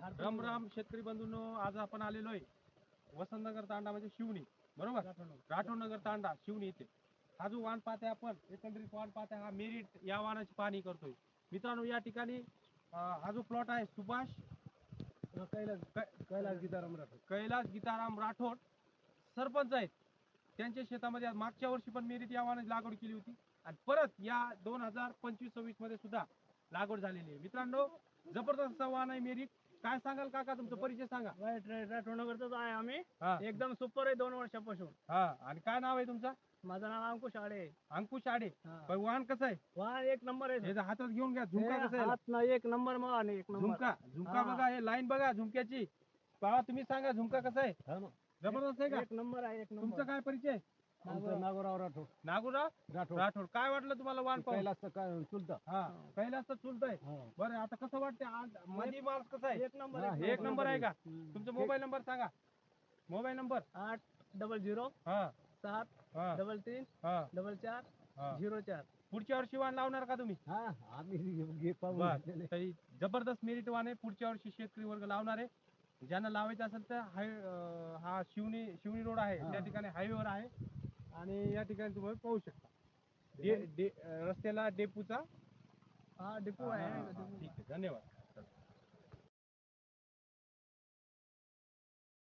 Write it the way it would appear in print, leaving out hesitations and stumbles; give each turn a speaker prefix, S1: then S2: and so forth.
S1: राम राम शेतकरी बंधूंनो, आज आपण आलेलो आहे वसंतनगर तांडा म्हणजे शिवणी, बरोबर, राठोडनगर तांडा शिवणी इथे. हा जो वाण पाहताय आपण, एकंदरीत वाण पाहताय, हा मेरिट या वाणाची पाहणी करतोय मित्रांनो. या ठिकाणी हा जो प्लॉट आहे सुभाष कैलास गीताराम राठोड सरपंच आहेत. त्यांच्या शेतामध्ये मागच्या वर्षी पण मेरिट या वाणाची लागवड केली होती आणि परत या 2025-26 मध्ये सुद्धा लागवड झालेली आहे मित्रांनो. जबरदस्त वाण आहे मेरिट. काय सांगाल काका, तुमचा परिचय सांगा.
S2: राठोडनगरचाच आहे आम्ही.
S1: हा
S2: एकदम सुपर आहे 2 वर्षापासून.
S1: हा, आणि काय नाव आहे तुमचं?
S2: माझं नाव अंकुश आडे.
S1: अंकुश आडे.
S2: हा.
S1: पण वाहन कसं आहे?
S2: वाह, एक नंबर आहे.
S1: हे जर हातात घेऊन घ्या. झुमका कसं आहे?
S2: हात ना एक नंबर मग आणि एक नंबर.
S1: झुमका
S2: हा.
S1: बघा, हे लाईन बघा झुमक्याची. पहा, तुम्ही सांगा झुमका कसा आहे? जबरदस्त आहे का?
S2: एक नंबर आहे, एक नंबर.
S1: तुमचा काय परिचय?
S2: नागोराव राठोड.
S1: नागुराव राठोड. काय वाटलं तुम्हाला वाण पाहून?
S2: चुलता.
S1: हा, कैलासचं चुलत आहे. बरं, आता कसं वाटतंय? आज मध्ये मार्क्स कसा आहे?
S2: एक नंबर.
S1: एक नंबर आहे का? तुमचा मोबाईल नंबर सांगा. मोबाईल नंबर
S2: 800
S1: हा
S2: 7
S1: हा
S2: 33
S1: हा
S2: 44
S1: हा.
S2: 04.
S1: पुढच्या वर्षी वाण लावणार का तुम्ही? बरं, तरी जबरदस्त मेरिट वाण आहे. पुढच्या वर्षी शेतकरी वर्ग लावणार आहे. ज्यांना लावायचं असेल तर हा शिवणी रोड आहे, त्या ठिकाणी हायवेवर आहे आणि या ठिकाणी तुम्ही पाहू शकता. रस्त्याला डेपूचा
S2: हा, डिपो आहे.
S1: ठीक आहे, धन्यवाद.